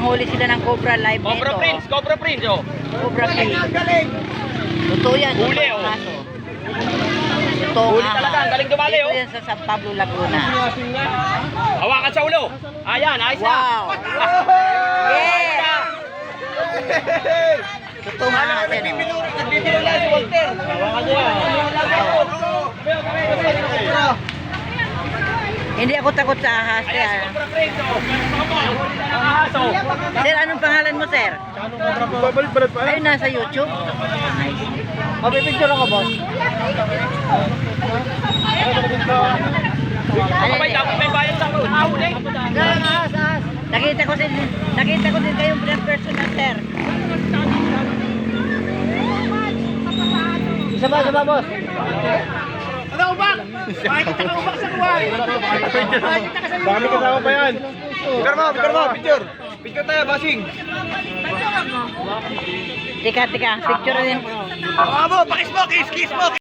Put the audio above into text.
nanghuli sila ng Cobra live nito. Cobra Prince, oh. Cobra Prince. Totoo yan. Huli, totoo oh. ang aso. Totoo Huli ang talaga, ahas. ang galing dumali, Dito oh. yan sa San Pablo, Laguna. Hawakan sa ulo. Ayan, ayos na. Wow! Yeah! Totoo ang ahas yan, oh. Nagbibiro na si Walter. Hawakan niya. Hindi ako takot sa ahas. Ayan, si Kaya. Cobra Prince, oh. Ang ahas, oh. Sir, anong pangalan mo, sir? Babalik-balik pa. Ayun, nasa YouTube. Mapipicture ako, boss. Kapay, dapat may bayan sa ahuli. Nakita ko din kayong personal, sir. Isa ba, boss? Ano, ubak? Makikita ka ubak sa kuwari. Baka may kasama pa yan. Picture mo, picture. Picture tayo, basing. Tika, picture din. Bravo, pakis mo, kiss mo.